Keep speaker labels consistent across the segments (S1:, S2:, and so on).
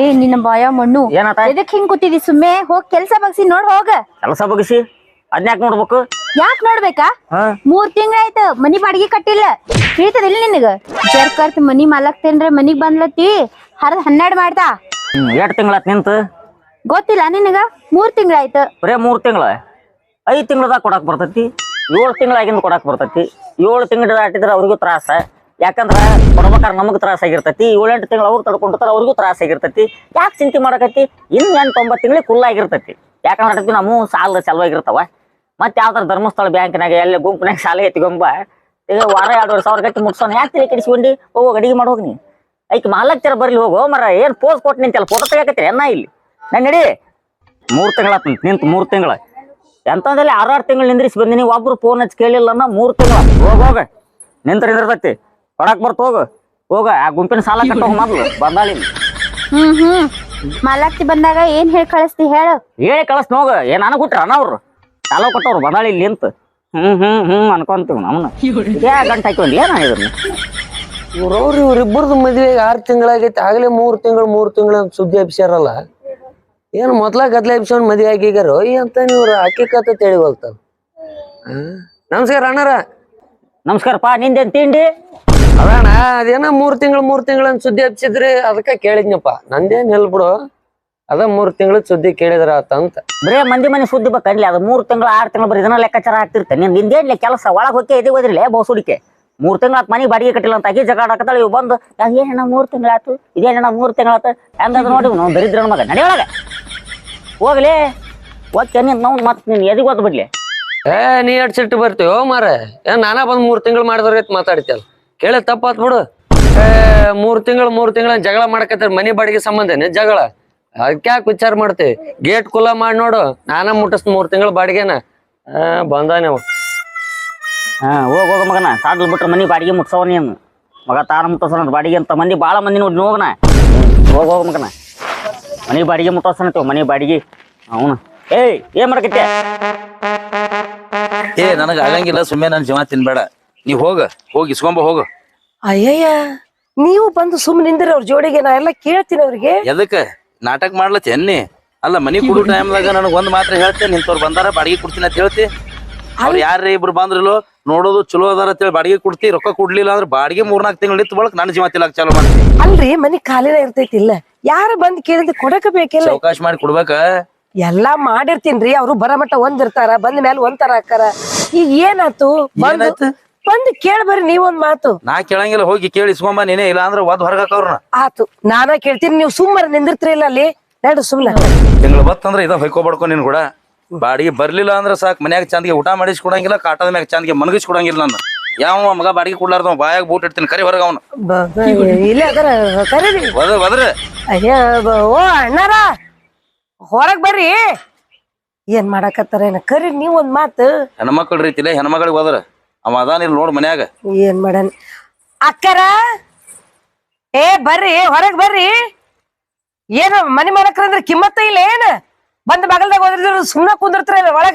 S1: ನಿನ್ನ ಬಾಯ ಮಣ್ಣು
S2: ಏನಾತ
S1: ಎದಕ್ ಹಿಂಗ್ ಕೂತಿದಿ ಸುಮ್ಮನೆ ಹೋಗ್ ಕೆಲ್ಸ ಬಗ್ಸಿ ನೋಡ್ ಹೋಗ
S2: ಕೆಲಸ ಬಗ್ಸಿ ಅದ್ನ್ಯಾಕ್ ನೋಡ್ಬೇಕು
S1: ಯಾಕ್ ನೋಡ್ಬೇಕಾ 3 ತಿಂಗಳಾಯ್ತು ಮನಿ ಬಾಡಿಗೆ ಕಟ್ಟಿಲ್ಲ ತಿಳಿತದಿಲ್ಲ ನಿನಗ ಜರ್ಕರ್ತ್ ಮನಿ ಮಾಲಕ್ತೇನ್ರ ಮನಿಗ್ ಬಂದ್ಲತ್ತಿ ಹರದ್ 12 ಮಾಡ್ತಾ
S2: 2 ತಿಂಗಳಾತ್ ನಿಂತು
S1: ಗೊತ್ತಿಲ್ಲ ನಿನಗ 3 ತಿಂಗಳಾಯ್ತು
S2: ಬರೇ 3 ತಿಂಗಳ 5 ತಿಂಗಳದಾಗ ಕೊಡಾಕ್ ಬರ್ತೈತಿ 7 ತಿಂಗಳಾಗಿಂದ ಕೊಡಾಕ್ ಬರ್ತೈತಿ 7 ತಿಂಗಳ ದಾಟಿದ್ರ ಅವ್ರಿಗೂ ತ್ರಾಸ ಯಾಕಂದ್ರ ಕೊಡ್ಬೇಕಾರ ನಮಗ್ ತ್ರಾಸ ಆಗಿರ್ತೈತಿ 7-8 ತಿಂಗಳು ಅವ್ರು ತಡ್ಕೊಂಡಿರ್ತಾರ ಅವ್ರಿಗೂ ತ್ರಾಸ ಆಗಿರ್ತೈತಿ ಯಾಕೆ ಚಿಂತೆ ಮಾಡಕತ್ತಿ ಇನ್ 8-9 ತಿಂಗಳಿಗೆ ಫುಲ್ ಆಗಿರ್ತೈತಿ ಯಾಕಂದ್ರೆ ನಮ್ಮ ಸಾಲ ಚಲವಾಗಿರ್ತಾವ ಮತ್ತೆ ಯಾವ್ದಾರ ಧರ್ಮಸ್ಥಳ ಬ್ಯಾಂಕ್ನಾಗ ಎಲ್ಲ ಗುಂಪಿನಾಗ ಸಾಲ ಎತ್ಕೊಂಬ ಈಗ ವಾರ 2 ಸಾವಿರ ಗಟ್ಟಿ ಮುಟ್ಸೋಣ ಯಾಕೆ ತಲೆ ಕೆಡಿಸ್ಕೊಂಡಿ ಹೋಗೋ ಅಡಿಗೆ ಮಾಡೋಗಿ ನೀ ಐಕ್ ಮಾಲಕ್ತರ ಬರ್ಲಿ ಹೋಗೋ ಮರ ಏನ್ ಪೋಸ್ ಕೊಟ್ಟು ನಿಂತಲ್ಲ ಫೋಟೋ ತೆಗಿಯಕತ್ತೀರಿ ಎನ್ನ ಇಲ್ಲಿ ನಾನು ನಡಿ 3 ತಿಂಗಳಾತ ನಿಂತು 3 ತಿಂಗಳ ಎಂತಂದಲ್ಲಿ 6 ತಿಂಗಳು ನಿಂದ್ರಿಸಿ ಬಂದಿನಿ ಒಬ್ರು ಫೋನ್ ಹಚ್ಚಿ ಕೇಳಿಲ್ಲ 3 ತಿಂಗಳ ಹೋಗ ನಿಂತಿರ್ತೈತಿ ಕೊಡಾಕ್ ಬರ್ತ ಹೋಗ ಆ ಗುಂಪಿನ ಸಾಲ ಕಟ್ಟೋಗ ಮೊದ್ಲು ಬಂದಾಳಿ
S1: ಮಾಲಕ್ತಿ ಬಂದಾಗ ಏನ್ ಹೇಳಿ ಕಳಿಸ್ತಿ ಹೇಳು
S2: ಹೇಳಿ ಕಳಿಸ್ ನೋಗ ಏನ್ ನನಗ್ ಬಿಟ್ರ ಅವ್ರು ಸಾಲ ಕೊಟ್ಟವ್ರು ಬಂದಾಳಿ ಇಲ್ಲಿ ನಿಂತ ಅನ್ಕೊಂತೀವಿ ನಮ್ಮನ್ನ ಗಂಟೆ ಹಾಕಿವಂದಿ ಏನ ಇದನ್ನ
S3: ಇವ್ರಿಬ್ಬರದು ಮದ್ವೆಗೆ 6 ತಿಂಗಳಾಗೈತಿ ಆಗ್ಲೇ 3 ತಿಂಗಳ ಸುದ್ದಿ ಹಬ್ಸ್ಯಾರಲ್ಲ ಏನ್ ಮೊದ್ಲ ಗದ್ಲ ಹಬ್ಸ್ಕೊಂಡ್ ಮದ್ವೆ ಆಗಿಗಾರ ಅಂತ ನೀವ್ರು ಹಕ್ಕಿಕತ್ತ ತಿಳಿವಲ್ತಾರ ನಮಸ್ಕಾರ ಅಣ್ಣಾರ
S2: ನಮಸ್ಕಾರಪ್ಪ ನಿಂದೇನ್ ತಿಂಡಿ
S3: ಅದಣ್ಣ ಅದೇನ 3 ತಿಂಗಳ ಸುದ್ದಿ ಹಬ್ಸಿದ್ರಿ ಅದಕ್ಕ ಕೇಳಿದ್ನಪ್ಪ ನಂದೇನ್ ಹೇಳ್ಬಿಡು ಅದ 3 ತಿಂಗಳ ಸುದ್ದಿ ಕೇಳಿದ್ರ ಆತಂತ
S2: ಬರೇ ಮಂದಿ ಮನೆ ಸುದ್ದಿ ಬೇಕನ್ಲಿ ಅದು 3 ತಿಂಗಳು 6 ತಿಂಗಳು ಬರೀ ಇದನ್ನ ಲೆಕ್ಕಾಚಾರ ಆಗ್ತಿರ್ತೆ ನಿಂದೇನ್ಲಿ ಕೆಲಸ ಒಳಗ್ ಹೋಗಿ ಎದಿ ಹೋದ್ರಿಲ್ಲ ಬಹುಸುಡಿಕೆ 3 ತಿಂಗಳ ಮನೆಗೆ ಬಾಡಿಗೆ ಕಟ್ಟಿಲ್ಲ ಅಂತ ಆಗಿ ಜಗಳ ಹಾಕತ್ತಾಳ ಇವ್ ಬಂದು ಏನ 3 ತಿಂಗಳಾತು ಇದೇನ 3 ತಿಂಗಳಾತು ಹೆಂಗದ ನೋಡಿ ನಾವು ದರಿದ್ರ ಮಗ ನಡೆಯೊಳಗ ಹೋಗ್ಲಿ ಓಕೆ ನಾವು ಮತ್ ನೀನ್ ಎದಿಗೆ ಓದ್ ಬಿಡ್ಲಿ
S3: ನೀ ಎಡ್ ಸಿಟ್ಟು ಬರ್ತೀವೋ ಮಾರ ಏನ್ ನಾನಾ ಬಂದ್ 3 ತಿಂಗಳು ಮಾಡಿದ್ರ ಮಾತಾಡ್ತಿಯಲ್ಲ ಕೇಳಿ ತಪ್ಪಾತ್ ಬಿಡು 3 ತಿಂಗಳ ಜಗಳ ಮಾಡಕತ್ತಾರ ಮನಿ ಬಾಡಿಗೆ ಸಂಬಂಧನೇ ಜಗಳ ಅದಕ್ಯಾಕೆ ವಿಚಾರ ಮಾಡ್ತೀವಿ ಗೇಟ್ ಕುಲ ಮಾಡಿ ನೋಡು ನಾನ ಮುಟ್ಟಿಸ್ 3 ತಿಂಗಳ ಬಾಡಿಗೆನ ಬಂದಾನೆ
S2: ಹೋಗ ಮಗನ ಸಾಡ್ಲ್ ಬಿಟ್ರೆ ಮನಿ ಬಾಡಿಗೆ ಮುಟ್ಸವ ನೀನು ಮಗ ತಾರ ಮುಟ್ಟೋಸನ ಬಾಡಿಗೆ ಅಂತ ಮಂದಿ ಭಾಳ ಮಂದಿ ನೋಡಿ ಹೋಗನ ಹೋಗ ಮಗನ ಮನಿ ಬಾಡಿಗೆ ಮುಟ್ಟೋಸನತ್ತೀವ ಮನಿ ಬಾಡಿಗೆ ಅವನು ಏನ್ ಮಾಡಕತ್ತೆ
S4: ನನಗ ಆಗಂಗಿಲ್ಲ ಸುಮ್ಮನೆ ನನ್ ಜೀವ ತಿನ್ಬೇಡ ನೀವ್ ಹೋಗಿ ಇಸ್ಕೊಂಬ ಹೋಗು
S5: ಅಯ್ಯಯ್ಯ ನೀವು ಬಂದು ಸುಮ್ಮನೆ ನಿಂದ್ರಿ ಅವ್ರ ಜೋಡಿಗೆ ನಾ ಎಲ್ಲ ಕೇಳ್ತೀನಿ ಅವ್ರಿಗೆ
S4: ಎದಕ್ಕ ನಾಟಕ ಮಾಡ್ಲತ್ತಿ ಎನ್ನಿ ಅಲ್ಲ ಮನಿ ಕೊಡೋ ಟೈಮ್ದಾಗ ನನಗ್ ಒಂದ್ ಮಾತ್ರ ಹೇಳ್ತೇನೆ ನಿಂತವ್ರು ಬಂದಾರ ಬಾಡಿಗೆ ಕೊಡ್ತೀನಿ ಅಂತ ಹೇಳ್ತಿ ಅವ್ರು ಯಾರೇ ಇಬ್ರು ಬಂದ್ರಲ್ಲೋ ನೋಡೋದು ಚಲೋ ಅದಾರ ಅಂತೇಳಿ ಬಾಡಿಗೆ ಕೊಡ್ತಿ ರೊಕ್ಕ ಕೊಡ್ಲಿಲ್ಲ ಅಂದ್ರೆ ಬಾಡಿಗೆ 3-4 ತಿಂಗಳು ನಿಂತ ಬಳಕ ನನ್ನ ಜೀವ ತಿಲ್ಲಕ್ ಚಾಲು ಮಾಡ್ತಿ
S5: ಅಲ್ರಿ ಮನಿ ಖಾಲಿನ ಇರ್ತೈತಿ ಇಲ್ಲ ಯಾರ ಬಂದ್ ಕೇಳಿದ್ರೆ ಕೊಡಕ ಬೇಕಿಲ್ಲ
S4: ಅವಕಾಶ ಮಾಡಿ ಕೊಡ್ಬೇಕ
S5: ಎಲ್ಲಾ ಮಾಡಿರ್ತೀನ್ರಿ ಅವ್ರು ಬರಮಟ್ಟ ಒಂದಿರ್ತಾರ ಬಂದ ಮೇಲೆ ಒಂಥರ ಹಾಕಾರ ಈಗ ಏನಾತು ಬಂದು ಕೇಳ ಬರ್ರಿ ನೀವೊಂದ್ ಮಾತು
S4: ನಾ ಕೇಳಂಗಿಲ್ಲ ಹೋಗಿ ಕೇಳಿ ಇಸ್ಕೊಂಬ ನೀನೇ ಇಲ್ಲ ಅಂದ್ರೆ ಒದ್ ಹೊರಗಾಕವ್ರನ್ನ
S5: ಆತು ನಾನ ಕೇಳ್ತೀನಿ ನೀವು ಸುಮ್ಮನೆ ನಿಂದಿರ್ತೀರಿ ಇಲ್ಲ ಅಲ್ಲಿ ನಡು ಸುಮ್ನೆ
S4: ತಿಂಗಳು ಬತ್ತಂದ್ರ ಇದ ಹೊಯ್ಕೋಬಡ್ಕೊ ನೀನ್ ಕೂಡ ಬಾಡಿಗೆ ಬರ್ಲಿಲ್ಲ ಅಂದ್ರೆ ಸಾಕ್ ಮನ್ಯಾಗ ಚಂದಿಗೆ ಊಟ ಮಾಡಿಸ್ ಕೊಡಂಗಿಲ್ಲ ಕಾಟದ ಮ್ಯಾಗ ಚಂದಿಗೆ ಮನಗಿಸ್ ಕೊಡಂಗಿಲ್ಲ ನಾನು ಯಾವ ಮಗ ಬಾಡಿಗೆ ಕೊಡ್ಲಾರ್ದ ಬಾಯಾಗ ಬೂಟ್ ಇಡ್ತೀನಿ ಕರಿ ಹೊರಗ ಅವನು
S5: ಇಲ್ಲ ಅದರ ಕರೀರಿ
S4: ಒದ್ರ
S5: ಅಯ್ಯ ಓ ಅಣ್ಣಾರ ಹೊರಗ್ ಬರ್ರಿ ಏನ್ ಮಾಡಕತ್ತಾರ ಏನ ಕರೀರಿ ನೀವ್ ಒಂದ್ ಮಾತು
S4: ಹೆಣ್ಮಕ್ಳ ರೀತಿಲೇ ಹೆಣ್ಮಗಳಿಗೆ ಹೋದ್ರ ಅವ ಅದಾನಿಲ್ ನೋಡ್ ಮನ್ಯಾಗ
S5: ಏನ್ ಮಾಡನ್ ಅಕ್ಕರ ಬರ್ರಿ ಹೊರಗ್ ಬರ್ರಿ ಏನ ಮನಿ ಮಾಡಕ್ರಂದ್ರ ಕಿಮ್ಮತ್ತ ಇಲ್ಲ ಏನ ಬಂದ್ ಬಗಲ್ದಾಗ ಹೋದ್ರ ಸುಮ್ನ ಕುಂದಿರ್ತಾರ ಒಳಗ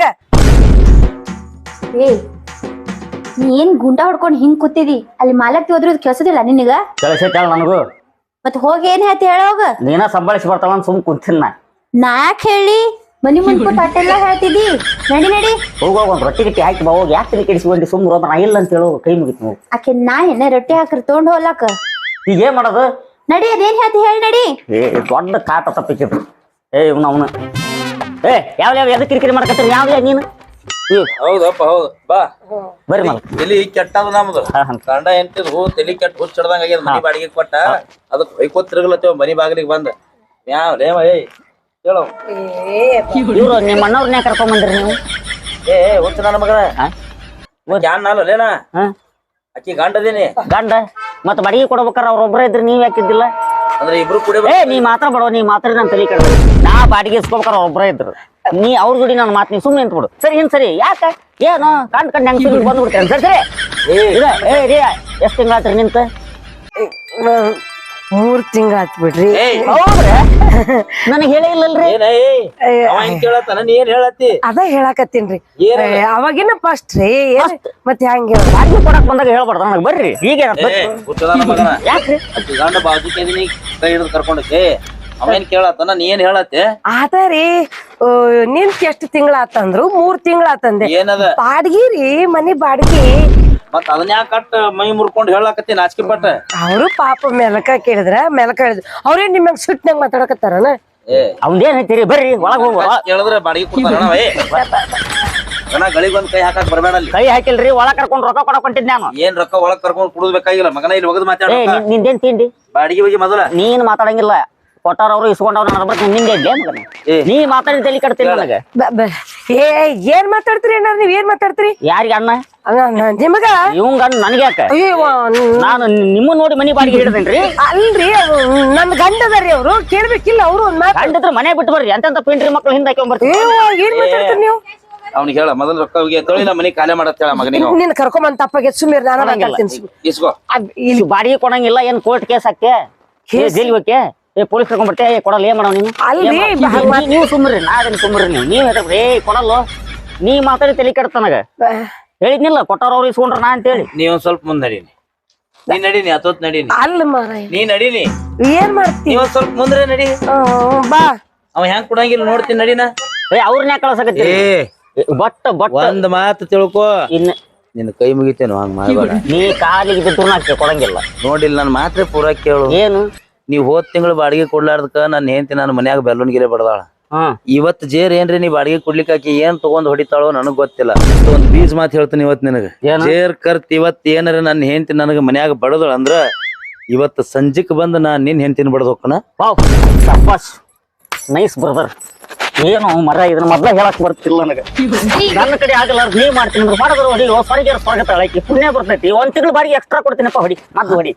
S1: ನೀ ಏನ್ ಗುಂಡ ಹೊಡ್ಕೊಂಡ್ ಹಿಂಗ್ ಕೂತಿದಿ ಅಲ್ಲಿ ಮಾಲಕ್ತಿ ಹೋದ್ರದ್ ಕೆಲ್ಸದಿಲ್ಲ ನಿನಗ
S2: ಕೆಲಸ ನನಗೂ
S1: ಮತ್ ಹೋಗಿ ಏನ್ ಹೇಳ್ತಿ ಹೇಳೋಗ
S2: ನೀನ ಸಂಭಾಳಿಸಿ ಬರ್ತಾವ ಸುಮ್ ಕುಂತೀನಿ
S1: ನಾ ಯಾಕೆ ಹೇಳಿ ಮನಿ ಮುಂದ್ಕೂ ತಟ್ಟೆಲ್ಲ ಹೇಳ್ತಿದಿ ನಡಿ
S2: ಹೋಗ ಒಂದ್ ರೊಟ್ಟಿ ಗಿಟ್ಟಿ ಹಾಕಿ ಬಾ ಹೋಗಿ ಯಾಕೆ ತಲೆ ಕೆಡಿಸ್ಕೊಂಡಿ ಸುಮ್ ರೋದ ನಾ ಇಲ್ಲ ಅಂತ ಹೇಳೋ ಕೈ ಮುಗಿತ್ ನಾವು
S1: ಆಕೆ ನಾ ಎಣ್ಣೆ ರೊಟ್ಟಿ ಹಾಕ್ರಿ ತಗೊಂಡ್ ಹೋಗ್ಲಾಕ
S2: ಈಗ ಏನ್ ಮಾಡೋದು
S1: ನಡಿ ಅದೇನ್ ಹೇಳ್ತಿ ಹೇಳಿ ನಡಿ
S2: ದೊಡ್ಡ ಕಾಟ ತಪ್ಪಿಸಿದ್ರು ಅವನು ಯಾವ ಎದಕ್ ಕಿರಿಕಿರಿ ಮಾಡ್ಕತ್ತೀರಿ ಯಾವ ನೀನು
S4: ಹೌದಪ್ಪ ಹೌದು ಬಾ
S2: ಬರ್ರಿ ಮಗ
S4: ತಲಿ ಕೆಟ್ಟದ ನಮ್ದು ಗಂಡ ಎಂಟಿದ್ ತಲಿ ಕೆಟ್ಟ ಹುಚ್ಚಿಡ್ದಂಗ ಆಗ್ಯದ ಮನಿ ಬಾಡಿಗೆ ಕೊಟ್ಟ ಅದಕ್ ಹೊಯ್ಕೋತ್ ತಿರುಗಲತ್ತೇವ ಮನಿ ಬಾಗಿಲಿಗೆ ಬಂದ ಯಾವ ಲೇವ ಹೇಳು
S2: ಇವ್ರು ನಿಮ್ಮ ಅಣ್ಣವ್ರನ್ನೇ ಕರ್ಕೊಂಡ್ ಬಂದ್ರಿ ನೀವು
S4: ಹುಚ್ಚ ನನ್ನ ಮಗಳ ಯಾನ್ ನಾಲ್ ಲೇನಾ ಅಕ್ಕಿ ಗಂಡದೇನಿ
S2: ಗಂಡ ಮತ್ ಬಾಡಿಗೆ ಕೊಡ್ಬೇಕಾರ ಅವ್ರೊಬ್ರ ಇದ್ರಿ ನೀವ್ ಯಾಕಿದ್ದಿಲ್ಲ
S4: ಅಂದ್ರೆ ಇಬ್ರು ಕೂಡ
S2: ನೀ ಮಾತ್ರ ಬಡವ ನೀ ಮಾತ್ರ ನನ್ ತಲೆ ಕೆಡ ನಾ ಬಾಡಿಗೆ ಇಸ್ಕೋಬೇಕಾರ ಒಬ್ರ ಇದ್ರು ನೀ ಅವ್ರ ಜೋಡಿ ನನ್ನ ಮಾತು ನೀ ಸುಮ್ಮನೆ ನಿಂತ ಬಿಡು ಸರಿ ಸರಿ ಯಾಕ ಏನು ಕಂಡ್ ಹೆಂಗ್ ಬಂದ್ಬಿಡ್ತೇನೆ ಸರಿ ಸರಿ ಎಷ್ಟ್ ತಿಂಗಳಾತ್ರಿ ನಿಂತ
S5: 3 ತಿಂಗಳಾತ್ ಬಿಡ್ರಿ
S2: ಹೌದ್ರಿ ನನಗ್ ಹೇಳೇ ಇಲ್ಲಲ್ರಿ
S4: ನೀ ಏನ್ ಹೇಳತ್ತಿ
S5: ಅದ ಹೇಳಾಕತ್ತೀನ್ರಿ ಅವಾಗಿನ ಫಸ್ಟ್ ರೀ ಮತ್ತೆ ಹೆಂಗ
S2: ಬಾಡಿಗೆ ಕೊಡಕ್ ಬಂದಾಗ ಹೇಳ್ಬಾರ್ದು ನನಗ್ ಬರ್ರಿ ಈಗ
S4: ಮಗನ
S2: ಯಾಕ್ರಿ
S4: ಗಂಡ ಬಾಜುಕೆ ಕೈ ಹಿಡಿದು ಕರ್ಕೊಂಡಕ್ಕೆ ಅವೇನ್ ಕೇಳತ್ತಾನ ನೀ ಏನ್ ಹೇಳತ್ತೆ
S5: ಆತಾರಿ ನಿಂತ ಎಷ್ಟ್ ತಿಂಗಳ ಆತಂದ್ರು 3 ತಿಂಗಳ ಆತಂದೆ
S4: ಏನದ
S5: ಬಾಡ್ಗಿ ರೀ ಮನಿ ಬಾಡ್ಗಿ
S4: ಮತ್ ಅದನ್ನ ಯಾಕೆ ಕಟ್ ಮೈ ಮುರ್ಕೊಂಡ್ ಹೇಳಾಕತ್ತಿ ನಾಚಿಕೆ ಪಟ್ಟ
S5: ಅವರು ಪಾಪ ಮೆಲಕ ಕೇಳಿದ್ರ ಮೆಲಕ ಹೇಳಿದ್ರು ಅವ್ರೇನ್ ನಿಮ್ಮಂಗ್ ಸಿಟ್ನಾಗ ಮಾತಾಡಕತ್ತಾರನ
S2: ಅವ್ನೇನ್ ಹೇಳ್ತೀರಿ ಬರ್ರಿ ಒಳಗ್ ಹೋಗುವ
S4: ಕೇಳಿದ್ರೆ ಬಾಡಿಗೆ ಕೊಡ್ತಾರಣ ಗಳಿಗೊಂದ್ ಕೈ ಹಾಕಕ್ ಬರ್ಬೇಡ ಅಲ್ಲಿ
S2: ಕೈ ಹಾಕಿಲ್ರಿ ಒಳಗ್ ಕರ್ಕೊಂಡ್ ರೊಕ್ಕ ಕೊಡಕ್ ಹೊಂಟಿದ್ ನಾನು
S4: ಏನ್ ರೊಕ್ಕ ಒಳಗ್ ಕರ್ಕೊಂಡ್ ಕುಡುದ್ಬೇಕಾಗಿಲ್ಲ ಮಗನ ಇಲ್ಲಿ ಒಗದ್ ಮಾತಾಡ
S2: ನಿಂದೇನ್ ತಿಂಡಿ
S4: ಬಾಡಿಗೆ ಬಗ್ಗೆ ಮೊದಲ
S2: ನೀನ್ ಮಾತಾಡಂಗಿಲ್ಲ ಕೊಟ್ಟಾರವ್ರು ಇಸ್ಕೊಂಡವ್ರು ನನ್ನ ಬರ್ತೀನಿ ನಿಂಗೆ ಇದ್ದೆ ಮಗನ ನೀ ಮಾತಾಡಿ ತಲೆ ಕಟ್ತೀನಿ ನನಗೆ
S5: ಏನ್ ಮಾತಾಡ್ತೀರಿ ಅಣ್ಣ ನೀವ್ ಏನ್ ಮಾತಾಡ್ತೀರಿ
S2: ಯಾರಿಗೆ ಅಣ್ಣ
S5: ನಿಮಗ
S2: ಇವಂಗ ನನ್ಗೆ ಯಾಕ
S5: ಅಯ್ಯೋ
S2: ನಾನು ನಿಮ್ಮ ನೋಡಿ ಮನಿ ಬಾಡಿಗೆ ಹಿಡಿದೇನ್ರಿ
S5: ಅಲ್ರಿ ನನ್ ಗಂಡ ಅದಾರಿ ಅವ್ರು ಕೇಳ್ಬೇಕಿಲ್ಲ ಅವ್ರು ಒಂದ್ ಮಾತು
S2: ಗಂಡದ್ರ ಮನೆ ಬಿಟ್ಟು ಬರ್ರಿ ಅಂತ ಪಿಂಟ್ರಿ ಮಕ್ಳು ಹಿಂದೆ ಹಾಕೊಂಡ್ ಬರ್ತೀವಿ
S5: ಏನ್ ಮಾತಾಡ್ತೀರಿ ನೀವು
S4: ಅವ್ನಿಗೆ ಹೇಳ ಮೊದಲ ರೊಕ್ಕ ತೊಳಿ ನಾ ಮನಿ ಖಾಲಿ ಮಾಡತ್ ಹೇಳ ಮಗನಿಗೆ
S5: ನಿನ್ ಕರ್ಕೊಂಬಂದ್ ತಪ್ಪಾಗೆ ಸುಮ್ಮನೆ ನಾನು ಮಾತಾಡ್ತೀನಿ
S4: ಇಸ್ಕೋ
S2: ಇಲ್ಲಿ ಬಾಡಿಗೆ ಕೊಡಂಗಿಲ್ಲ ಏನ್ ಕೋರ್ಟ್ ಕೇಸ್ ಹಾಕ್ತೆ ಜೈಲ್ ಹೋಕೆ ಪೊಲೀಸ್ ಕರ್ಕೊಂಡ್ ಬರ್ತೆ ಕೊಡಲ್ಲ ಏನ್ ಮಾಡೋ ನೀನು ನೀವು ಸುಮ್ರಿ ನಾ ಅದನ್ನ ಸುಮ್ರಿ ನೀವ್ ಹೇಳ್ರಿ ಕೊಡಲ್ಲ ನೀ ಮಾತಾಡಿ ತಲೆ ಕೆಡ್ತ ನನಗ ಹೇಳಿದ್ನಿಲ್ಲ ಕೊಟ್ಟಾರವ್ರು ಇಸ್ಕೊಂಡ್ರ ನಾ ಅಂತೇಳಿ
S4: ನೀ ಒಂದ್ ಸ್ವಲ್ಪ ಮುಂದ್ ನಡೀನಿ ನೀ ನಡೀನಿ ಅತೋತ್ ನಡೀನಿ
S5: ಅಲ್ಲ ಮಾರಾಯ
S4: ನೀ ನಡೀನಿ
S5: ಏನ್ ಮಾಡ್ತಿ
S4: ನೀ ಒಂದ್ ಸ್ವಲ್ಪ ಮುಂದ್ರೆ ನಡಿ
S5: ಬಾ
S4: ಅವ ಹೆಂಗ್ ಕೊಡಂಗಿಲ್ಲ ನೋಡ್ತೀನಿ ನಡಿನ
S2: ಅವ್ರನ್ನ ಕಳ್ಸಕತ್ತಿ ಬಟ್
S4: ಒಂದ್ ಮಾತು ತಿಳ್ಕೊ
S2: ಇನ್ನ
S4: ನಿನ್ ಕೈ ಮುಗಿತೇನು ಹಂಗ ಮಾಡ್ಬೇಡ
S2: ನೀ ಕಾಲಿಗೆ ಬಿದ್ದು ನಾಕೆ ಕೊಡಂಗಿಲ್ಲ
S4: ನೋಡಿಲ್ಲ ನನ್ ಮಾತ್ರ ಪೂರ ಕೇಳು
S2: ಏನು
S4: ನೀವ್ ಹೋದ್ ತಿಂಗಳು ಬಾಡಿಗೆ ಕೊಡ್ಲಾರ್ದಕ್ಕ ನಾನು ಹೆಂಡತಿ ನಾನು ಮನ್ಯಾಗ ಬೆಲ್ಲೂನ್ ಗಿರೆ ಬಡದಾಳ ಇವತ್ ಜೇರ್ ಏನ್ರಿ ನೀ ಬಾಡಿಗೆ ಕೊಡ್ಲಿಕ್ಕೆ ಆಕಿ ಏನ್ ತಗೊಂಡ್ ಹೊಡಿತಾಳೋ ನನಗ್ ಗೊತ್ತಿಲ್ಲ ಒಂದ್ ಬೀಜ್ ಮಾತು ಹೇಳ್ತೀನಿ ಇವತ್ ನಿನಗ ಜೇರ್ ಕರ್ತ್ ಇವತ್ ಏನಾರ ನನ್ನ ಹೆಂಡತಿ ನನಗ ಮನ್ಯಾಗ ಬಡದಳ ಅಂದ್ರ ಇವತ್ ಸಂಜಿಕ್ ಬಂದ್ ನಾ ನಿನ್ ಹೆಂಡತಿನ ಬಡದ್ ಹೋಗ್ಕನ
S2: ಶಬ್ಬಾಸ್ ನೈಸ್ ಬ್ರದರ್ ಏನು ಮರ ಇದನ್ನ ಮೊದ್ಲ ಹೇಳಕ್ ಬರ್ತಿಲ್ಲ ನನಗ ನನ್ನ ಕಡೆ ಆಗಲ್ಲ ನೀವ್ ಮಾಡ್ತೀನಿ ಅಂದ್ರೆ ಮಾಡಿದ್ರು ಹೊಡಿ ಸ್ವರ್ಗ ಸ್ವರ್ಗ ತಳಕಿ ಪುಣ್ಯ ಬರ್ತೈತಿ ಒಂದ್ ತಿಂಗಳು ಬಾಡಿಗೆ ಎಕ್ಸ್ಟ್ರಾ ಕೊಡ್ತೀನಪ್ಪ ಹೊಡಿ ಮದ್ದು ಹೊಡಿ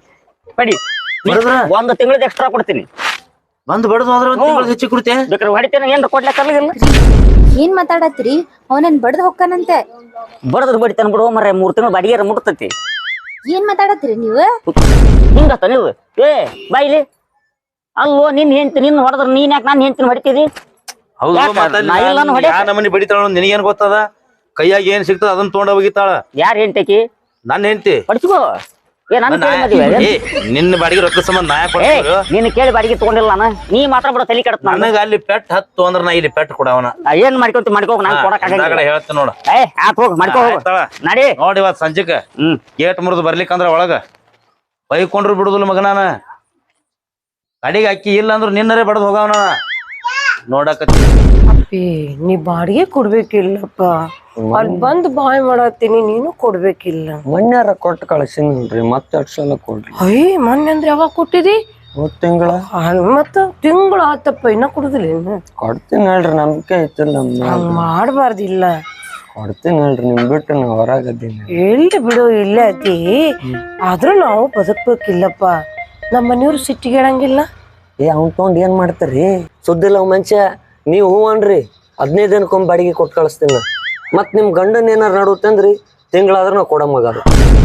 S2: ಒಂದ್ ತಿಂಗಳದ ಎಕ್ಸ್ಟ್ರಾ ಕೊಡ್ತೀನಿ
S4: ಬಂದ್ ಬಡದ್ ಹೋದ್ರ ಹೆಚ್ಚಿ ಕೊಡ್ತೇ
S2: ಬೇಕಾದ್ರೆ ಹೊಡಿತೇನೆ ಏನ್ರ ಕೊಡ್ಲಿಕ್ಕಾಗಲ್ಲ
S1: ಏನ್ ಮಾತಾಡತ್ರಿ ಅವನನ್ ಬಡ್ದ್ ಹೊಕ್ಕನಂತೆ
S2: ಬಡದ್ರ ಬಡಿತಾನ ಬಿಡು ಮರ 3 ತಿಂಗಳು ಬಾಡಿಗೆ ಮುಟ್ತೈತಿ
S1: ಏನ್ ಮಾತಾಡತ್ರಿ ನೀವು
S2: ಹಿಂಗತ್ತ ನೀವು ಬಾಯಿಲಿ ಅಲ್ವೋ ನಿನ್ ಹೆಂಡ್ತಿ ನಿನ್ ಹೊಡೆದ್ರ ನೀನ್ ಯಾಕೆ ನಾನು ಹೆಂಡ್ತಿನ ಹೊಡಿತೀರಿ
S4: ನಮ್ಮನಿ ಬಡಿತಾಳ ನಿನಗೇನ್ ಗೊತ್ತದ ಕೈಯಾಗ ಏನ್ ಸಿಗ್ತದ ಅದನ್ನ ತೊಗೊಂಡ ಹೋಗಿತ್ತಾಳ
S2: ಯಾರ್ ಹೆಂಡ್ತಿ
S4: ನನ್ನ ಹೆಂಡ್ತಿ
S2: ಹೊಡಿಸ್ಕೋ
S4: ನಿನ್ನ ಬಾಡಿಗೆ ರೊಕ್ಕ ಸಂಬಂಧ ನಾಯಕ್
S2: ನೀನ್ ಕೇಳಿ ಬಾಡಿಗೆ ತಗೊಂಡಿಲ್ಲ ನಾನು ನೀ ಮಾತ್ರ ಬಿಡ ತಲೆ ಕೆಡತ್
S4: ನನಗ ಅಲ್ಲಿ ಪೆಟ್ ಹತ್ತು ಅಂದ್ರ ನಾ ಇಲ್ಲಿ ಪೆಟ್ ಕೊಡವನ
S2: ಏನ್ ಮಾಡ್ಕೊಂತ ಮಾಡ್ಕೋಗ ನಾನು ಕೊಡಕ್
S4: ಹೇಳ್ತೀನಿ ನೋಡ
S2: ಹೋಗ್ ಮಾಡ್ಕೋ ನಡಿ
S4: ನೋಡಿ ಇವತ್ ಸಂಜೆಕ ಗೇಟ್ ಮುರಿದು ಬರ್ಲಿಕ್ಕಂದ್ರ ಒಳಗ ಬೈಕೊಂಡ್ರು ಬಿಡುದಿಲ್ಲ ಮಗನಾನ ಅಡಿಗೆ ಅಕ್ಕಿ ಇಲ್ಲ ಅಂದ್ರ ನಿನ್ನರೇ ಬಡದ್ ಹೋಗವನ ನೋಡಕತ್ತಿ
S5: ಅಪ್ಪಿ ನೀ ಬಾಡಿಗೆ ಕೊಡ್ಬೇಕಿಲ್ಲಪ್ಪ ಅಲ್ಲಿ ಬಂದ್ ಬಾಯ್ ಮಾಡತ್ತೀನಿ ನೀನು ಕೊಡ್ಬೇಕಿಲ್ಲ
S3: ಮೊನ್ನೆರ ಕೊಟ್ಟು ಕಳ್ಸಿನ್ರಿ ಮತ್ತೆ 2 ಸಲ ಕೊಡ್ರಿ
S5: ಅಯ್ಯ ಮೊನ್ನೆ ಅಂದ್ರೆ ಯಾವಾಗ ಕೊಟ್ಟಿದಿ
S3: 3 ತಿಂಗಳ
S5: ಮತ್ತ ತಿಂಗಳು ಆತಪ್ಪ ಇನ್ನ ಕೊಡುದಿಲ್ಲ ಇನ್ನು
S3: ಕೊಡ್ತೀನಿ ಹೇಳ್ರಿ ನಂಬಿಕೆ ಐತಿಲ್ಲ
S5: ಹಂಗ ಮಾಡ್ಬಾರ್ದಿಲ್ಲ
S3: ಕೊಡ್ತೀನಿ ಹೇಳ್ರಿ ನಿಮ್ ಬಿಟ್ಟು ನಾ ಹೊರಗದ್ದೀನಿ
S5: ಎಲ್ಲಿ ಬಿಡು ಇಲ್ಲ ಅತಿ ಆದ್ರೂ ನಾವು ಬದುಕ್ಬೇಕಿಲ್ಲಪ್ಪ ನಮ್ಮ ಮನೆಯವ್ರು ಸಿಟ್ಟಿಗೇಳಂಗಿಲ್ಲ
S3: ಅವ್ನ್ ತಗೊಂಡ್ ಏನ್ ಮಾಡ್ತಾರಿ ಸುದ್ದಿಲ್ಲ ಮನುಷ್ಯ ನೀವ್ ಹೂ ಅನ್ರಿ 15 ದಿನಕ್ಕೊಮ್ಮೆ ಬಾಡಿಗೆ ಕೊಟ್ಟು ಕಳಿಸ್ತೀನಿ ಮತ್ ನಿಮ್ ಗಂಡನ್ ಏನಾರ ನಡುತ್ತಂದ್ರಿ ತಿಂಗಳಾದ್ರ ನಾವ್ ಕೊಡ ಮಗಾರು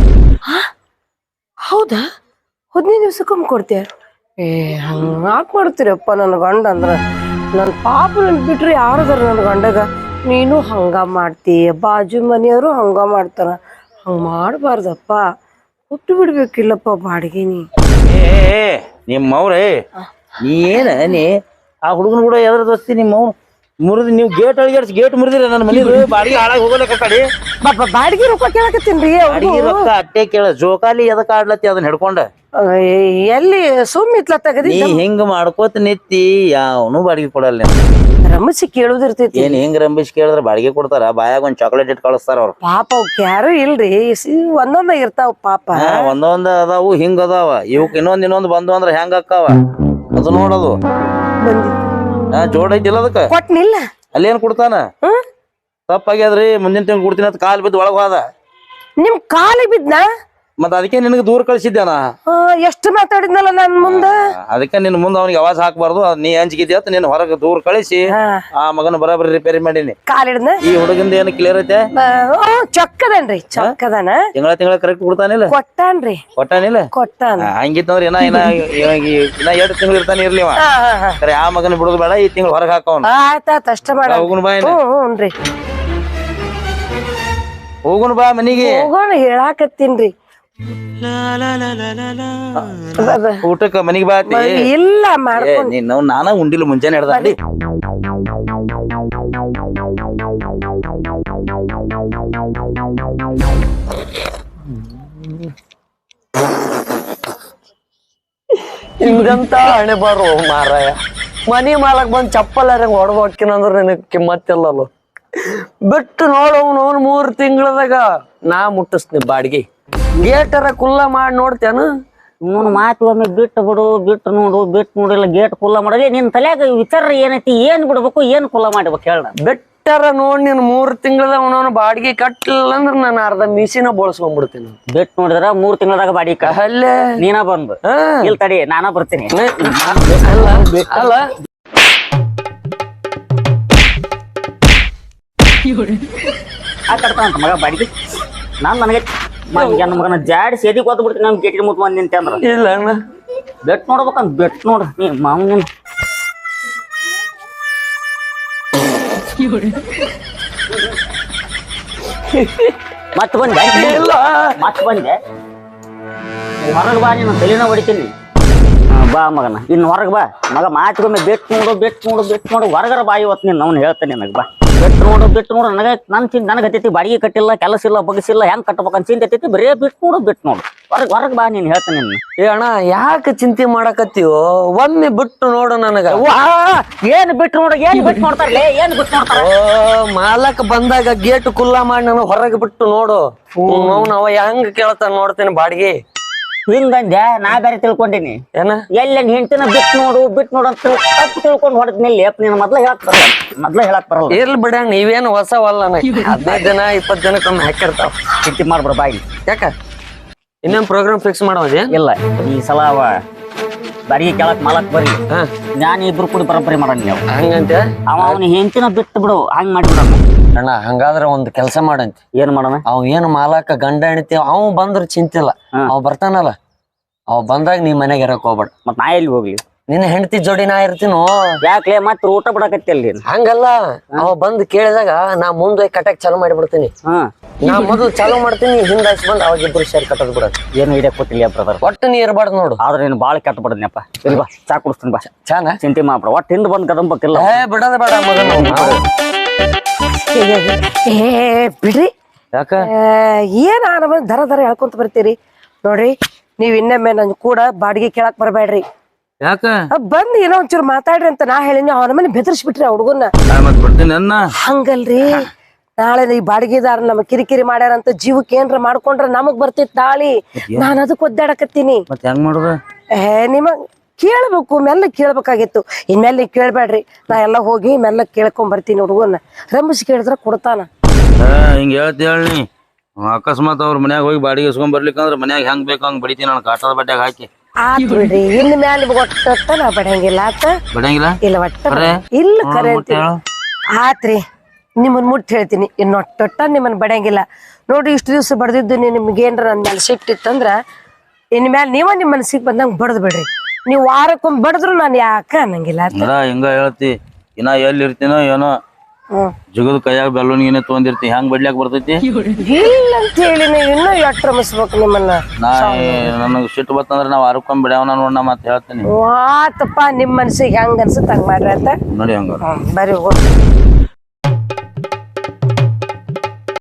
S5: ಹೌದಾ 15 ದಿವ್ಸಕ್ಕೊಮ್ಮೆ ಕೊಡ್ತೀಯ ಹಂಗಾಕ್ ಮಾಡ್ತೀರಪ್ಪ ನನ್ನ ಗಂಡ ಅಂದ್ರ ನನ್ ಪಾಪ ನನ್ ಬಿಟ್ರಿ ಯಾರದಾರ ನನ್ನ ಗಂಡಗ ನೀನು ಹಂಗ ಮಾಡ್ತಿ ಬಾಜು ಮನೆಯವರು ಹಂಗ ಮಾಡ್ತಾರ ಹಂಗ ಮಾಡ್ಬಾರ್ದಪ್ಪ ಕೊಟ್ಟು ಬಿಡ್ಬೇಕಿಲ್ಲಪ್ಪ ಬಾಡಿಗೆ
S4: ನಿಮ್ಮವ್ರೇ ನೀ ಏನ ನೀ ಆ ಹುಡುಗನ ಕೂಡ ಎದ್ರ ದೋಸ್ತಿ ನಿಮ್ಮವ್ ಮುರಿದು ನೀವು ಗೇಟ್ ಅಳಿಗಾಡ್ಸಿ ಗೇಟ್ ಮುರಿದಿರ ನನ್ನ ಮನೆ ಬಾಡಿಗೆ ಹಾಳಾಗಿ ಹೋಗಲಕ್ಕ ಕಡೆ
S5: ಬಾಡಿಗೆ ರೊಕ್ಕ ಕೇಳಕತ್ತೀನ್ರಿ
S4: ಬಾಡಿಗೆ ರೊಕ್ಕ ಅಟ್ಟೆ ಕೇಳ ಜೋಕಾಲಿ ಎದಕ್ ಆಡ್ಲತ್ತಿ ಅದನ್ನ ಹಿಡ್ಕೊಂಡ
S5: ಎಲ್ಲಿ ಸುಮ್ಮಿತ್ಲ ತಗದಿ
S4: ನೀ ಹಿಂಗ ಮಾಡ್ಕೋತ ನಿತ್ತಿ ಯಾವನು ಬಾಡಿಗೆ ಕೊಡಲ್ಲ
S5: ರಮಸಿ ಕೇಳುದಿರ್ತೈತಿ
S4: ಏನ್ ಹಿಂಗ್ ರಂಬಿಸ್ ಕೇಳಿದ್ರ ಬಾಡಿಗೆ ಕೊಡ್ತಾರ ಬಾಯಾಗ ಒಂದ್ ಚಾಕ್ಲೇಟ್ ಇಟ್ ಕಳಿಸ್ತಾರ ಅವ್ರು
S5: ಪಾಪ ಅವಕ್ ಯಾರು ಇಲ್ರಿ ಒಂದೊಂದ ಇರ್ತಾವ ಪಾಪ
S4: ಒಂದೊಂದ್ ಅದಾವು ಹಿಂಗ ಅದಾವ ಇವಕ್ ಇನ್ನೊಂದ್ ಬಂದು ಅಂದ್ರ ಹೆಂಗ ಅಕ್ಕಾವ ಅದು ನೋಡೋದು ಜೋಡ ಐತಿಲ್ಲ ಅದಕ್ಕ
S5: ಕೊಟ್ನಿಲ್ಲ
S4: ಅಲ್ಲೇನ್ ಕೊಡ್ತಾನ ತಪ್ಪಾಗ್ಯಾದ್ರಿ ಮುಂದಿನ ತಿಂಗಳು ಕೊಡ್ತೀನಿ ಅಂತ ಕಾಲ್ ಬಿದ್ದು ಒಳಗ್ ಹೋದ
S5: ನಿಮ್ ಕಾಲಿಗೆ ಬಿದ್ನ
S4: ಮತ್ತ ಅದಕ್ಕೆ ನಿನಗೆ ದೂರ ಕಳ್ಸಿದ್ದೇನ
S5: ಎಷ್ಟು ಮಾತಾಡಿದ್ನಲ್ಲ ನನ್ ಮುಂದ
S4: ಅದಕ್ಕೆ ನಿನ್ ಮುಂದೆ ಅವ್ನಿಗೆ ಅವಾಜ್ ಹಾಕ್ಬಾರ್ದು ನೀ ಅಂಜಿಕಿದ್ಯ ಅಂತ ನೀನ್ ಹೊರಗೆ ದೂರ ಕಳಿಸಿ ಆ ಮಗನ ಬರಾಬರಿ ರಿಪೇರಿ ಮಾಡೀನಿ
S5: ಕಾಲಿಡ್ನ
S4: ಈ ಹುಡುಗಿಂದ ಏನು ಕ್ಲಿಯರ್ ಐತೆ
S5: ಚೊಕ್ಕದನ್ರಿ ಚೊಕ್ಕದನ
S4: ತಿಂಗಳ ಕರೆಕ್ಟ್ ಕೊಡ್ತಾನಿಲ್ಲ
S5: ಕೊಟ್ಟಾನ್ರಿ ಕೊಟ್ಟಾನ
S4: ಹಂಗಿತ್ತಂದ್ರ ಇನ್ನ 2 ತಿಂಗಳು ಇರ್ತಾನೆ ಇರ್ಲಿವ ಸರಿ ಆ ಮಗನ ಬಿಡುದು ಬೇಡ ಈ ತಿಂಗಳು ಹೊರಗೆ ಹಾಕವನ
S5: ಆಯ್ತಾಯ್ತ ಅಷ್ಟ ಮಾಡ ಹ್ಞೂನ್ರಿ
S4: ಹೋಗುನ್ ಬಾ ಮನಿಗೆ
S5: ಹೋಗೋಣ ಹೇಳಾಕತ್ತೀನ್ರಿ
S4: ಊಟಕ್ಕ ಮನಿಗ್ ಬಾತಿ
S5: ಇಲ್ಲ ಮಾಡ್ಕೊಂಡ್
S4: ನೀನು ನಾನ ಉಂಡಿಲ್ಲ ಮುಂಜಾನೆ ಹಿಡ್ದ ಅಡಿ
S3: ಹಿಂಗಂತ ಹಣೆ ಬಾರು ಮಾರಾಯ. ಮನಿ ಮಾಲಕ್ ಬಂದ್ ಚಪ್ಪಲ್ ಹೊಡೆದ್ ಹೊಕ್ಕಿನಂದ್ರ ನಿನಗ್ ಕಿಮ್ಮತ್ತಿಲ್ಲಲ್ಲ. ಬಿಟ್ಟು ನೋಡವ್ನು 3 ತಿಂಗಳದಾಗ ನಾ ಮುಟ್ಟಿಸ್ನಿ ಬಾಡಿಗೆ. ಗೇಟರ ಕುಲ್ಲ ಮಾಡಿ ನೋಡ್ತೇನು?
S2: ಇವನು ಮಾತು ಒಮ್ಮೆ ಬಿಟ್ಟು ಬಿಡು, ಬಿಟ್ಟು ನೋಡು, ಬಿಟ್ಟು ನೋಡಿಲ್ಲ ಗೇಟ್ ಕುಲ್ಲ ಮಾಡೋದೇ ನಿನ್ ತಲೆಯಾಗ ವಿಚಾರ ಏನೈತಿ, ಏನ್ ಬಿಡ್ಬೇಕು ಏನ್ ಕುಲ್ಲ ಮಾಡ್ಬೇಕು ಹೇಳ.
S3: ಬೆಟ್ಟರ ನೋಡ್ ನೀನ್ 3 ತಿಂಗಳದಾಗ ಅವನವನು ಬಾಡಿಗೆ ಕಟ್ಟಲಿಲ್ಲ ಅಂದ್ರ ನಾನು ಅರ್ಧ ಮೀಸಿನ ಬೋಳ್ಸ್ಕೊಂಡ್ಬಿಡ್ತೀನಿ.
S2: ಬಿಟ್ಟು ನೋಡಿದ್ರ 3 ತಿಂಗಳದಾಗ ಬಾಡಿ
S3: ಅಲ್ಲೇ
S2: ನೀನ ಬಂದು ಇಲ್ಲಿ ತಡಿ ನಾನ ಬರ್ತೀನಿ.
S3: ಅಲ್ಲ
S2: ಆ ಕಟ್ತಾನಂತ ಮಗ ಬಾಡಿಗೆ. ನನಗೆ ನನ್ನ ಮಗನ ಜಾಡಿ ಸೇದಿ ಕೊತ್ತು ಬಿಡ್ತೀನಿ. ನಮ್ ಗೇಟಿಗೆ ಮುತ್ ಬಂದ್ ನಿಂತೆ ಅಂದ್ರ
S3: ಇಲ್ಲ ಅಣ್ಣ
S2: ಬೆಟ್ ನೋಡ್ಬೇಕಂತ ಬೆಟ್ ನೋಡ್ರಿ ನೀ ಮಾವನ್ ಮತ್ ಬಂದೆ
S3: ಇಲ್ಲ
S2: ಮತ್ ಬಂದೆ. ಹೊರಗೆ ಬಾ, ನೀನು ತಲೆನ ಹೊಡಿತೀನಿ. ಬಾ ಮಗನ ಇನ್ನು ಹೊರಗೆ ಬಾ ಮಗ. ಮಾತಿಗೊಮ್ಮೆ ಬೆಟ್ ನೋಡು, ಬೆಟ್ ನೋಡು, ಬೆಟ್ ನೋಡು, ಹೊರಗರ ಬಾ ಇವತ್ತು ನೀನು ಅವ್ನು ಹೇಳ್ತಾನೆ ನನಗೆ. ಬಾ ಬೆಟ್ಟು ನೋಡು, ಬಿಟ್ಟು ನೋಡು. ನನಗೆ ಹತ್ತೈತಿ ಬಾಡಿಗೆ ಕಟ್ಟಿಲ್ಲ, ಕೆಲಸ ಇಲ್ಲ, ಬಗ್ಸಿಲ್ಲ, ಹೆಂಗ್ ಕಟ್ಟಬೇಕಂತ ಚಿಂತೆ ಹತ್ತೈತಿ. ಬರೇ ಬಿಟ್ಟು ನೋಡು, ಬಿಟ್ಟು ನೋಡು, ಹೊರಗೆ ಬಾ ನೀನ್ ಹೇಳ್ತಾನೆ.
S3: ಏ ಅಣ್ಣ ಯಾಕೆ ಚಿಂತೆ ಮಾಡಕತ್ತೀವೋ? ಒಮ್ಮೆ ಬಿಟ್ಟು ನೋಡು ನನಗ.
S2: ಏನ್ ಬಿಟ್ಟು ನೋಡು, ಏನ್ ಬಿಟ್ಟು ನೋಡ್ತಾರಲೇ, ಏನ್ ಬಿಟ್ಟು ನೋಡ್ತಾರ?
S3: ಓ ಮಾಲಕ್ ಬಂದಾಗ ಗೇಟ್ ಕುಲ್ಲಾ ಮಾಡಿ ನಾನು ಹೊರಗೆ ಬಿಟ್ಟು ನೋಡು. ಅವ ಹೆಂಗ್ ಕೇಳ್ತಾನ ನೋಡ್ತೇನೆ ಬಾಡಿಗೆ.
S2: ಹಿಂಗಂದೆ ನಾ ಬೇರೆ ತಿಳ್ಕೊಂಡಿನಿ.
S3: ಏನ
S2: ಎಲ್ಲ ಹೆಂಡತಿನ ಬಿಟ್ಟು ನೋಡು, ಬಿಟ್ಟು ನೋಡು ಅಂತ ತಪ್ಪು ತಿಳ್ಕೊಂಡು ಹೊಡೆದ್ಮೇಲೆ ನೀನು ಮೊದ್ಲ ಹೇಳಕ್ ಬರಲ್ಲ.
S3: ಇರ್ಲಿ ಬಿಡ, ನೀವೇನು ಹೊಸವಲ್ಲ. 15 ದಿನ 20 ದಿನಕ್ಕೊಮ್ಮೆ ಹಾಕಿರ್ತಾವ.
S2: ಚಿಂತೆ ಮಾಡ್ಬಿಡ ಬಾಯಿ.
S3: ಯಾಕ ಇನ್ನೊಂದ್ ಪ್ರೋಗ್ರಾಮ್ ಫಿಕ್ಸ್ ಮಾಡೋದೇ
S2: ಇಲ್ಲ ಈ ಸಲ ಬಾಡಿಗೆ ಕೇಳಕ್ ಮಾಲಕ್ ಬರ್ಲಿ,
S3: ಹಾ
S2: ನಾನು ಇಬ್ರು ಕೂಡಿ ಬರೋಬ್ಬರಿ ಮಾಡೋಣ. ನೀವು
S3: ಹಂಗಂತ
S2: ಅವನ ಹೆಂಡತಿನ ಬಿಟ್ಟು ಬಿಡು, ಹಂಗ್ ಮಾಡಿಬಿಡೋಣ.
S3: ಅಣ್ಣ ಹಂಗಾದ್ರ ಒಂದ್ ಕೆಲ್ಸ ಮಾಡಂತಿ.
S2: ಏನ್ ಮಾಡೋಣ?
S3: ಅವ್ ಏನು ಮಾಲಕ ಗಂಡ ಹೆಣ್ತಿ ಅವ್ ಬಂದ್ರ ಚಿಂತಿಲ್ಲ. ಅವ್ ಬರ್ತಾನಲ್ಲ, ಅವ್ ಬಂದಾಗ ನೀ ಮನೆಗೆ ಇರಕ್ ಹೋಗ್ಬೇಡ.
S2: ಮತ್ ನಾ ಎಲ್ಲಿ ಹೋಗ್ಲಿ?
S3: ನಿನ್ನ ಹೆಂಡತಿ ಜೋಡಿ ನಾ ಇರ್ತೀನೋ.
S2: ಯಾಕ್ಲೆ ಮತ್ ಊಟ ಬಿಡಕತ್ತಿ ಅಲ್ಲಿ?
S3: ಹಂಗಲ್ಲ, ಅವ ಬಂದ್ ಕೇಳಿದಾಗ ನಾ ಮುಂದೆ ಕಟ್ಟಕ್ ಚಾಲು ಮಾಡಿಬಿಡ್ತೀನಿ. ನಾ ಮೊದಲು ಚಾಲು ಮಾಡ್ತೀನಿ, ಹಿಂದಾಯ್ಸಿ ಬಂದ್ ಅವಾಗ ಇಬ್ರು ಸೇರಿ ಕಟ್ಟದ್ ಬಿಡೋದು.
S2: ಏನು ಹಿಡಿಯಕ್ ಕೊಟ್ಟಿಲ್ಲ ಬ್ರದರ್.
S3: ಒಟ್ಟು ನೀ ಇರ್ಬಾರ್ದು ನೋಡು.
S2: ಆದ್ರೆ ನೀನು ಬಾಳ ಕೆಟ್ಟ ಬಿಡದ್ನಪ್ಪ. ಇಲ್ಲಿ ಬಾ ಚಾ ಕುಡಿಸ್ತೀನಿ ಬಾ.
S3: ಚಾನ
S2: ಚಿಂತೆ ಮಾಡ್ಬಿಡ, ಒಟ್ಟು ಹಿಂದ್ ಬಂದ್ ಕದಂಬಕ್ಕಿಲ್ಲ.
S3: ಬಿಡದ ಬೇಡ ಮಗನ.
S5: ಬಿಡ್ರಿ.
S3: ಯಾಕ
S5: ಏನ್ ನಮ್ಮನ್ನ ದರ ಹೇಳ್ಕೊಂತ ಬರ್ತೀರಿ ನೋಡ್ರಿ. ನೀವ್ ಇನ್ನೊಮ್ಮೆ ನನ್ ಕೂಡ ಬಾಡಿಗೆ ಕೇಳಕ್ ಬರ್ಬೇಡ್ರಿ.
S3: ಯಾಕ
S5: ಬಂದ್ ಏನೋ ಒಂಚೂರು ಮಾತಾಡ್ರಿ ಅಂತ ನಾ ಹೇಳಿನಿ. ಅವನ ಮನೆ ಬೆದರ್ಸ್ಬಿಟ್ರಿ ಆ ಹುಡುಗನ್ನ.
S4: ಮತ್ ಬರ್ತೀನಿ ಅನ್ನ.
S5: ಹಂಗಲ್ರಿ, ನಾಳೆ ಈ ಬಾಡಿಗೆದಾರ ನಮ್ ಕಿರಿಕಿರಿ ಮಾಡ್ಯಾರಂತ ಜೀವಕ್ಕೆ ಏನ್ರ ಮಾಡ್ಕೊಂಡ್ರ ನಮಗ್ ಬರ್ತಿತ್ ನಾಳಿ. ನಾನ್ ಅದಕ್ಕೆ ಒದ್ದಾಡಕತ್ತೀನಿ.
S4: ಮತ್ ಹೆಂಗ್ ಮಾಡುದ?
S5: ನಿಮ್ಮ ಕೇಳ್ಬೇಕು, ಮೆಲ್ಲ ಕೇಳ್ಬೇಕಾಗಿತ್ತು. ಇನ್ಮೇಲೆ ನೀವ್ ಕೇಳ್ಬೇಡ್ರಿ. ನಾ ಎಲ್ಲ ಹೋಗಿ ಮೆಲ್ಲ ಕೇಳ್ಕೊಂಡ್ ಬರ್ತೀನಿ. ಹುಡುಗನ್ನ ರಂಬಿಸಿ ಕೇಳಿದ್ರ ಕೊಡ್ತಾನ.
S4: ಹಿಂಗ ಹೇಳಿ ಅಕಸ್ಮಾತ್ ಅವ್ರ ಮನ್ಯಾಗ ಹೋಗಿ ಬಾಡಿಗೆ ಇಸ್ಕೊಂಡ್ ಬರ್ಲಿಕ್ಕಂದ್ರ ಮನ್ಯಾಗ ಹೆಂಗ್ ಬೇಕು ಹಂಗ್ ಬಡಿತೀನಿ ನಾನು ಕಾಟದ ಬಡ್ಡ್ಯಾಗ ಹಾಕಿ.
S5: ಆತ್ ಬಿಡ್ರಿ, ಇನ್ ಮ್ಯಾಲ ಒಟ್ಟ ನಾ ಬಡಂಗಿಲ್ಲ. ಆತ
S4: ಬಡಂಗಿಲ್ಲ
S5: ಇಲ್ಲ ಒಟ್ಟ ಇಲ್ಲ ಖರೆ ಅಂತೀನಿ. ಆತ್ರಿ, ನಿಮ್ಮನ್ ಮುಟ್ಟಿ ಹೇಳ್ತೀನಿ, ಇನ್ನೊಟ್ಟ ನಿಮ್ಮನ್ ಬಡಂಗಿಲ್ಲ ನೋಡ್ರಿ. ಇಷ್ಟು ದಿವ್ಸ ಬಡ್ದಿದ್ದು ನಿಮ್ಗೇನ್ರ ನನ್ ಮ್ಯಾಲ ಸಿಟ್ಟಿತ್ತಂದ್ರ ಇನ್ ಮ್ಯಾಲ ನೀವ ನಿಮ್ ಮನಸ್ಸಿಗೆ ಬಂದಂಗ ಬಡದ್ ಬಿಡ್ರಿ. ನೀವ್ ವಾರಕ್ಕೊಮ್ಮೆ ಬಡದ್ರು ನಾನು ಯಾಕ ಅನ್ನಂಗಿಲ್ಲ.
S4: ಹಿಂಗ ಹೇಳ್ತಿ, ಇನ್ನ ಎಲ್ಲಿ ಇರ್ತೀನೋ ಏನೋ ಜಗದ ಕೈಯಾಗ ಬೆಲ್ಲೂನ್ಗಿನೇ ತೊಗೊಂಡಿರ್ತಿ, ಹೆಂಗ್ ಬಡ್ಲಿಕ್ ಬರ್ತೈತಿ?
S5: ಇಲ್ಲ ಅಂತ ಹೇಳಿ ಇನ್ನೂ ಎಷ್ಟ್ ರಮಿಸ್ಬೇಕು ನಿಮ್ಮನ್ನ.
S4: ನನಗ್ ಸಿಟ್ಟು ಬತ್ತಂದ್ರ ನಾವ್ ವಾರಕ್ಕೊಮ್ಮೆ ಬಿಡ್ಯಾವನ ನೋಡ್ ನಾ ಮತ್ ಹೇಳ್ತೀನಿ.
S5: ಆತಪ್ಪ, ನಿಮ್ ಮನ್ಸಿಗೆ ಹೆಂಗ್ ಅನ್ಸುತ್ತ ಹಂಗ್ ಮಾಡ್ರಿ ಅಂತ
S4: ನೋಡಿ. ಹಂಗ
S5: ಬರೀ